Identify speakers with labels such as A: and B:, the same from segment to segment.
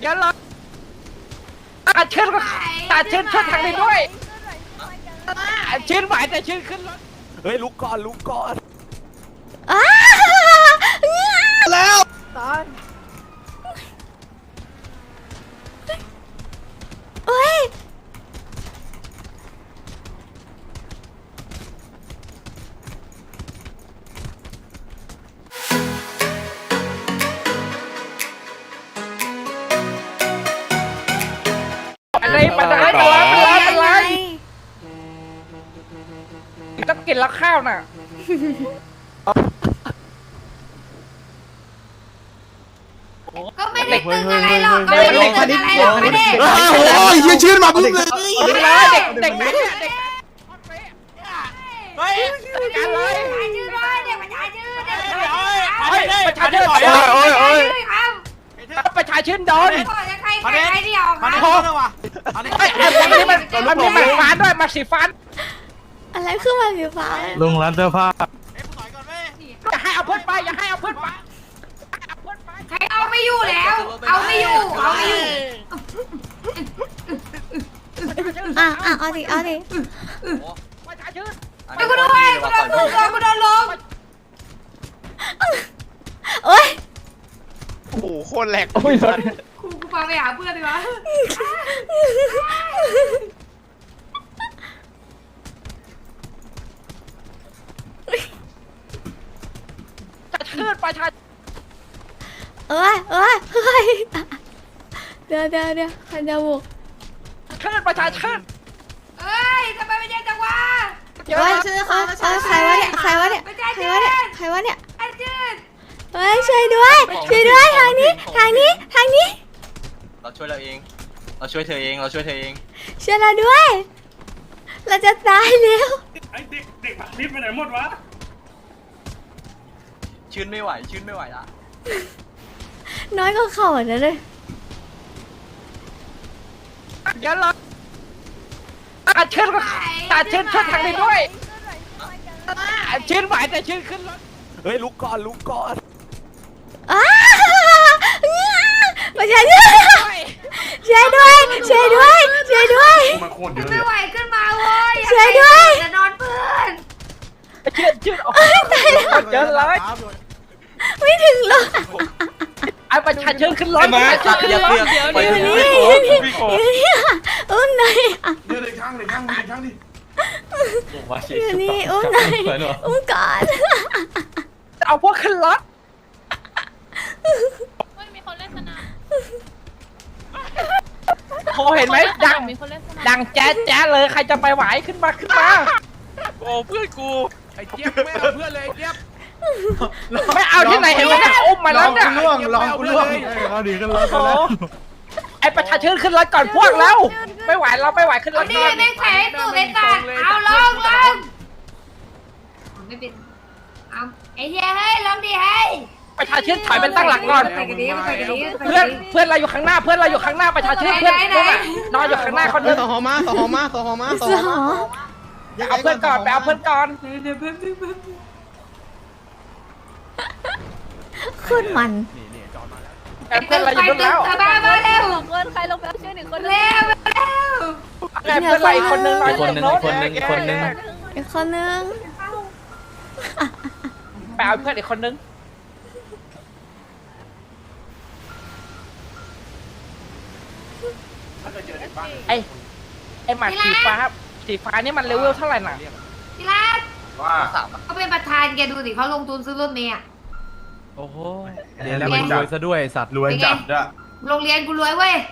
A: เดี๋ยวเราเชิญก็เชิญทางนี้ด้วยเชิญไหวแต่เชิญขึ้นรถเฮ้ยลุกก่อน
B: แล้ว
A: ตอน
C: โอ้ย
A: อะไรต้องกินแล้วข้าวน่ะ
D: ก็ไม่ได้ตึงอะไรหรอกก็ไม่ได้ตึงอะไรหรอกไม่ได้
B: โอ้ยยังชื่นมาปุ๊บเลย
A: เด็กไหนเนี่ยเด็กเฮ้ยกันเลย
D: ชื่อด้วยเด็กประชาชื่อเด็ก
A: ประชาชนประชาชนโดน
D: ใครที่ออกมา
A: อันนี้มันฟ้าด้วยมาสีฟ้า
C: อะไรขึ้นมาสีฟ้า
E: ลุงร้านเสื้อผ้า
A: อย่าให้เอาเพื่อนไปอย่าให้เอาเพื่อนไป
D: ใครเอาไม่อยู่แล้วเอาไม่อยู่
C: เอาดิ
A: ประชาชน
D: กูโดนลง
C: โอ้ย
B: โอ้โหโคตรแหลก
A: โอ้ย
D: กูพาไปหาเพื่อนดีกว่า
A: จะเชิญประชาชน
C: เดี๋ยวคันจะบุก
A: เชิญประชาชน
D: เอ้ยทำไมไม่เย็นจังวะ
C: ใครวะเนี่ยใครวะเนี่ยอาจืด เฮ้ยช่วยด้วยทางนี้
F: เราช่วยเราเอง เราช่วยเธอเอง เราช่วยเธอเอง
C: ช่วยเราด้วย เราจะตายแล้ว
E: ไอเด็กผักนิดไปไหนหมดวะ
F: ชื่นไม่ไหวละ
C: น้อยก็เข่าอ่ะนะเลย
A: เดี๋ยวเราเชิญก็เชิญทางนี้ด้วยเชิญไหวแต่เชิญขึ้นรถเฮ้ยลุกก่อน
C: ประชาชนช่วยด้วย
E: มาโคตรเยอะเล
D: ไม่
E: ย
D: ไหวขึ้นมาเว้ยจะนอนเพื่อน
A: เชิญออกเยอะเลย
C: ไม่ถึงรถ
A: ไอ้ประชาชนขึ้นรถประชาชนขึ้นรถเดี๋ยว
C: อุ้มหน่อย
E: เดี๋ยวเลยข้างดิ
C: อยู่นี่อุ้มหน่อยอุ้มก่อน
A: เอาพวกขึ้นรถ
G: มีคนเล่นสนาม
A: โหเห็นไหมดังแจ๊ะเลยใครจะไปไหวขึ้นมา
B: โอ้เพื่อนกูไอ้เจี๊ยบไม่เอาเพื่อนเลยไอ้เจี๊ยบ
A: ไม่เอาที่ไหนเห็นไหมอุ้มมาแล้วเนี่ย
B: ลองกูล่วง
E: เขาดีกันแล้วแล้ว
A: ไอ้ประชาชนขึ้นรถก่อนพวกแล้วไม่ไหวเราไม่ไหวขึ้นร
D: เอา
A: ถ
D: ดิแม่งแผลตู่เป็นสัตว์เอาลงไม่เป็นเอาไอ้เหี้ยเฮ้ยลงดิเฮ้ย
A: ประชาชนถอยเป็นตั้งหลักก่อนเพื่อนเราอยู่ข้างหน้าประชาชนเพื่อนนอนอยู่ข้างหน้าคนนึง
B: ต่อหอมา
C: สอ
A: เอาเพื่อนก่อนไปเอาเพื่อนก่อน
C: ขึ้นมัน
A: เพื่อนเราอยู่นู่นแล้ว
D: มาเร็ว
G: คนใครลงไปเอาชื่อหนึ่งคน
D: เร็ว
A: เพื่อนเราอีกคนนึงนอนอยู่โน้น
C: อีกคนนึง
A: ไปเอาเพื่อนอีกคนนึงไอ้หมาสีฟ้านี่มันเลเวลเท่าไหร่น่ะ
D: พี่รัก
F: ว่าสาม
D: เขาเป็นประธานแกดูสิเขาลงทุนซื้อรถเมย์
E: โอ้โหเดี๋ยวแล้วมันรวยซะด้วยสัตว์รวยจัดอะ
D: โรงเรียนกูรวยเว้ย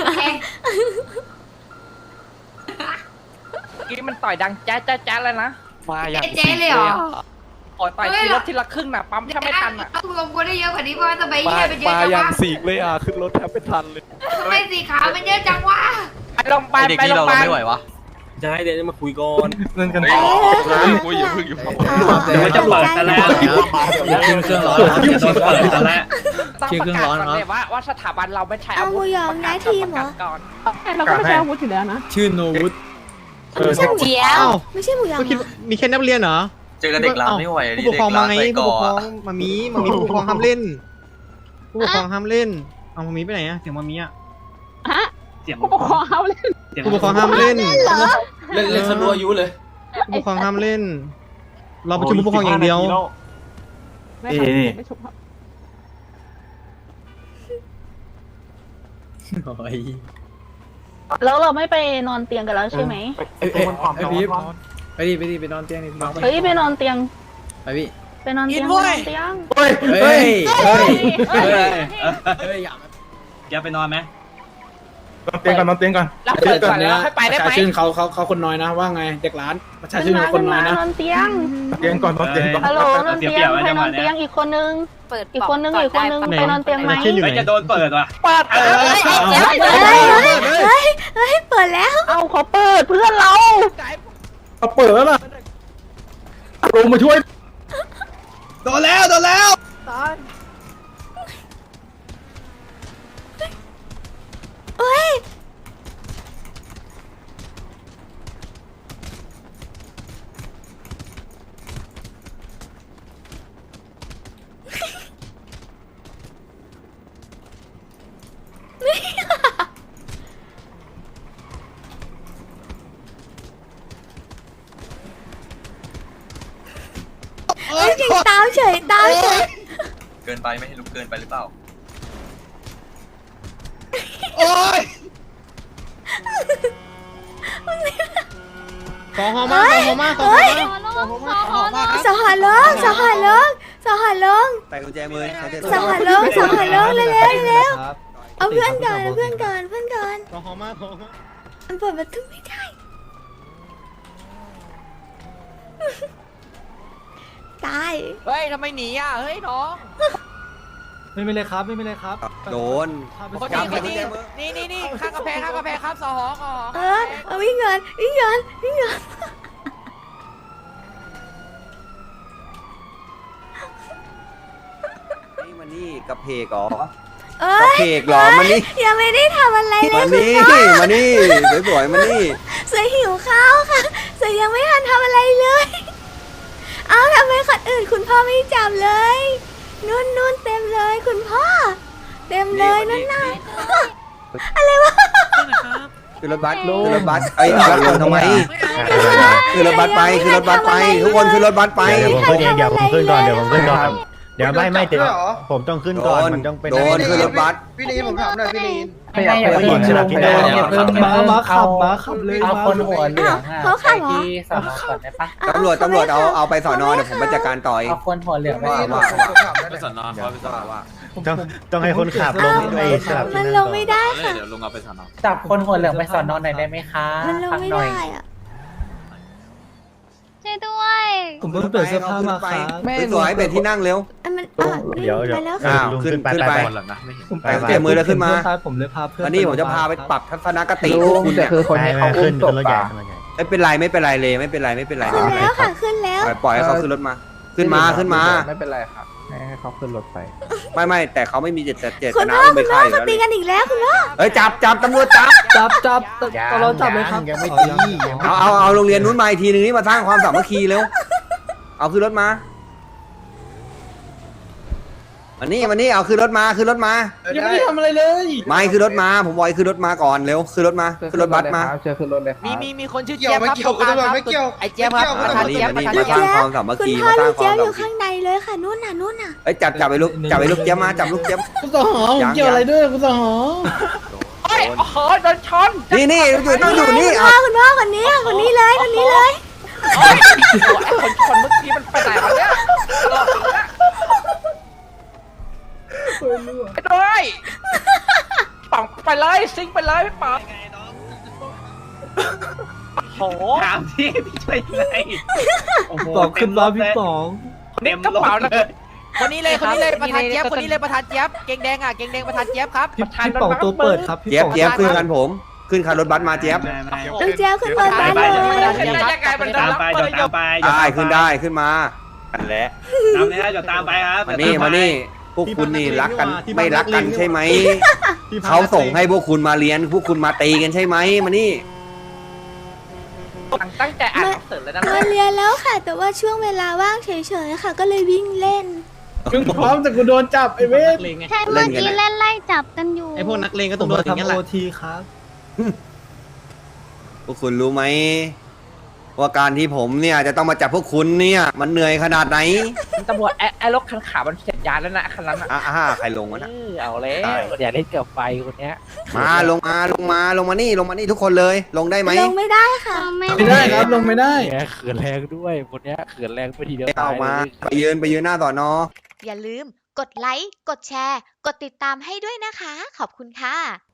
A: กี้มันต่อยดังแจ๊ะเลยนะ
B: มาอย่าง
D: เจ๊เลยเหรอ
A: ต่อยทีละครึ่งน่ะปั๊มแทบไม่ทันอ่ะ
D: ต้องรวมกูได้เยอะกว่านี้เพราะว่าทำไมเหี้ยเป็นเยอะจังวะ
B: เลยอ่ะขึ้นรถแทบไม่ทันเลย
D: ทำไมสีขาวมันเยอะจังวะ
A: ไปโรงพยาบาล
F: เด็ก
A: ไป
F: ที่
A: โรงพ
F: เรา
A: ยาบาล
F: ไม่ไหววะ
B: จะให้เดี๋ยวจะมาคุยก่อน
E: เล่นกัน
B: กูอยู่พึ่งอยู่
C: เดี๋ยวมันจะเปิดกันแล้ว
E: เครื่องร้อนจะโดนเปิดกันแล้ว
A: ต้องประกาศก่อนเลยว่าสถาบันเราไม่ใช้อาวุธประกาศก่อน
G: เราก็ไม่ใช่อาวุธอยู่แล้วนะ
B: ชื่อโนวุฒ
C: ไม่ใช่หมูยอไม่ใช่หมูยอ
B: คิดมีแค่นักเรียนเหรอ
F: เจอกันเด็กร้านไม่ไหว
B: ผู้ปกครองมาไงผู้ปกครองมามีผู้ปกครองห้ามเล่น ผู้ปกครองห้ามเล่นเอามามีไปไหนอะเสียงมามีอะ
G: ผู้ปกครองเขาเล่น
H: ผู้ปกครองห้ามเล่น
F: เล่นสนุกอายุเลย
H: ผู้ปกครองห้ามเล่น เราประชุมผู้ปกครองอย่างเดียว
G: ไม่ครับไม่ชุบครับ
I: แล้วเราไม่ไปนอนเตียงกันแล้วใช่ไหม
E: ไอพีไปดิไปนอนเตียงนี่พี่น้อง
I: เฮ้ยไปนอนเตียง
E: ไปพี่
I: ไปนอนเตียงไปนอนเตียง
E: เฮ้ยเฮ้ยอย่าไปนอนไหม
A: เตียงก่อนนอนเตียงก่อนรับเปิดก่อนแล้วให้ไปได้ไหม
H: ประชาชื่นเขาคนน้อยนะว่าไงเด็กร้านประชาชื่นเขาคนน้อยนะ
I: นอนเตียง
A: เตียงก่อนนอนเตียงก่อน
I: ฮัลโหลนอนเตียงใครนอนเตียงอีกคนนึง
G: เปิด
I: อีกคนนึงไปนอนเตียงไหม
H: ชื่นอยู่ไหน
E: จะโดนเปิดว่ะ
A: เปิด
C: เฮ้ยเปิดแล้ว
I: เอาเขาเปิดเพื่อนเรา
H: เขาเปิดแล้วล่ะลงมาช่วยโดนแล้ว
C: เฮ้ยเฮ้ยเก่งตามเฉย
F: เกินไปไม่ให้ลุกเกินไปหรือเปล่า
H: ขอหอมมากขอหอมมากขอหอมมาก
C: สหัสลงสหัสลง
F: ไปกุญแจมือ
C: สหัสลงเร็วเอาเพื่อนก่อน
H: ขอหอมมากขอหอมมาก
C: มันเปิดประตูไม่ได้ ตาย
A: เฮ้ยทำไมหนีอ่ะเฮ้ยน้อง
E: ไม่เป็นไรครับ
F: โดน
A: คนนี้นี่ข้างกำแพงครับสหก
C: เอาวิ่งเงิน
F: นี่มันนี่กับเพกเหรอ
C: เอ้
F: กับเพกเหรอมันนี่
C: ยังไม่ได้ทำอะไรเลย
F: มัน
C: คุณ
F: นี่
C: พ่อ
F: มันนี่สวยๆมันนี่
C: เสือหิวข้าวค่ะเสือยังไม่ทันทำอะไรเลย เอาทำไมคนอื่นคุณพ่อไม่จับเลยนู่นเต็มเลยคุณพ่อ เต็มเลยนั่นน่ะอะไรวะ
F: คือรถบัสไอ้เอาลงทำไมคือรถบัสไปทุกคนคือรถบัสไป
C: เดี๋ยวผมขึ้นก่อน
H: เดี๋ยวไม่เดี๋ยวผมต้องขึ้นก่อนมันต้องเป็น
F: โดนคือรถบัส
H: พี่ลีนผมถามหน่อยพี่ลีน
A: ไม่อยากไปกินลงไป
H: มาขับเลย
A: เอาคนหัวเหลือง
C: เขาขับเหรอ
A: ที่สอนอก่อนได้ปะ
F: ตำรวจเอาไปสอนอเดี๋ยวผมไปจัดการต่อเอง
A: เอาคนหัวเหลืองไป
E: ไปสอนอไปสอนอว่า
H: ต้องให้คนขับลงไอ้สลับ
C: มันลงไม่ได้ค่ะ
E: เดี๋ยวลุงเอาไปสอนอ
A: จับคนหัวเหลืองไปสอนอหน่อยได้ไหมคะ
C: มันลงไม่ได้อะ
G: ช่วยด้วย
H: ผมเพิ่งเปลี่ยนเสื้อผ้ามาครับ
F: สวยๆเป็นที่นั่งเร็ว
C: มัน
H: เดี๋ยว
C: ไปแล้ว
F: อ้า
C: ค่ะ
F: วขึ้นไป
E: คนหลังนะไม่เห็น
F: เตะมือแล้วขึ้นมา
H: ผมเลยพาเพื่อน
F: อันนี้ผมจะพาไปปรับทัศนคติคุณเนี่ย
A: คือคนที่เขาอุ้มศพ
H: รถใหญ่
F: ไม่เป็นไรเลยไม่เป็นไร
C: ขึ้นแล้วค่ะขึ้นแล้ว
F: ปล่อยให้เขาขึ้นรถมา ขึ้นมา
A: ไม่เป็นไรครับให้เขาขึ้นรถไป
F: ไม่แต่เขาไม่มีเจต
C: คุณ
F: นา
C: พ่อ
F: ไม่
C: คุณพ่
F: ฆ่า
C: อ
F: อยู่
C: เขา
F: แล้ว
C: ตีกันอีกแล้วคุณพ่อ
F: เฮ้ยจับตำรวจจับ
H: ตลอดจับเลยครับยังไม่ตี
F: เอาโรงเรียนนู้นมาอีกทีนึงนี่มาสร้างความสามัคคีเร็วเอาขึ้นรถมาวันนี้เอาขึ้นรถมา
H: ยังไม่ได้ทำอะไรเลย
F: ไม่ขึ้นรถมาผมบอยขึ้นรถมาก่อนเร็วขึ้นรถมาขึ้นรถบัสมา
A: เชิญขึ้นรถเลยมีคนชื่อ
H: เกี่
A: เจี๊
H: ย
A: ยว บ
H: ไม่
A: ครับ
H: เกี่ยวคุณตำรวจไม่เกี่ยว
A: ไอ้เจี๊ยบครับประธาน
F: นี่
A: เจี๊ยบ
F: มา
A: ประ
F: นี่
A: ธาน
F: มาส
A: เจี๊
F: ร้าย ง
A: บ
F: ความสามัค
C: คุณ
F: คี
C: พ่อ
F: มาส
C: ลู
F: ร้าง
C: ก
F: ควา
C: เจี๊
F: ม
C: ยบอยู่
F: สามัค
C: ข้าง
F: คี
C: ในเลยค่ะนู่นน่ะ
F: เอ้ยจับไปลูกเจี๊ยบมาจับลูกเจี๊ยบ
H: คุณสหอผมเกี่ยวอะไรด้วยคุณสหอ
A: โดนชน
F: นี่ต้องอยู่นี่
C: คุณพ่อคนนี้ค่ะคนนี้เลย
A: คนเมื่อกี้มันไปไหนวะเนี่ยไปด้วยปังไปเลยซิงไปเลยพี่ป๋องโอ้โหถามที่พี่ช่วยอะไร
H: ขึ้นมาพี่ป๋อง
A: เต็มกระเป๋านะคนนี้เลยประธานเจี๊ยบคนนี้เลยประธานเจี๊ยบเก่งแดงประธานเจี๊ยบครับ
H: พี่ป๋องตัวเปิดครับ
F: เจี๊ยบขึ้นกันผมขึ้นคันรถบัสมาเจี๊ยบ
C: ลูกเจี๊ยบขึ้นบนบ้านเลย
F: ได้ขึ้นมากันแหละ
E: ตามนี้จะตามไปครับ
F: มานี่พวกคุณนี่รักกันไม่รักกันใช่ไหมเขาส่งให้พวกคุณมาเรียนพวกคุณมาตีกันใช่ไหมมานี่
A: ตั้งใจอ่านหนังสือเลยนะ
C: มาเรียนแล้วค่ะ แต่ว่าช่วงเวลาว่างเฉยๆค่ะ ก็เลยวิ่งเล่น
H: มึงพร้อมแต่กูโดนจับไอ้เว้ย
G: ใช่เมื่อกี้เล่นไล่จับกันอยู่
H: ไอ้พวกนักเลงก็ต้องโดนอย่างนี้แหละทีครับ
F: พวกคุณรู้ไหมว่าการที่ผมเนี่ยจะต้องมาจับพวกคุณเนี่ยมันเหนื่อยขนาดไหน
A: ตำรวจไอ้รถคันขาวมันเสร็จยานแล้วนะคันนั้นอ่ะ
F: ใครลงวะนะ
A: เอาแล้วอย่าเล่นเกือบไฟคนเนี้ย
F: มาลงมานี่ทุกคนเลยลงได้ไหม
C: ลงไม่ได้ค่ะ
H: ไม่ได้ครับลงไม่ได้
E: แกเขินแรงด้วยคนเนี้ยเขินแรงไปทีเดียว
F: เอา
E: ตาย
F: มา
E: เลย
F: ไปยืนหน้าสอนอ
D: อย่าลืมกดไลค์ กดแชร์ กดติดตามให้ด้วยนะคะ ขอบคุณค่ะ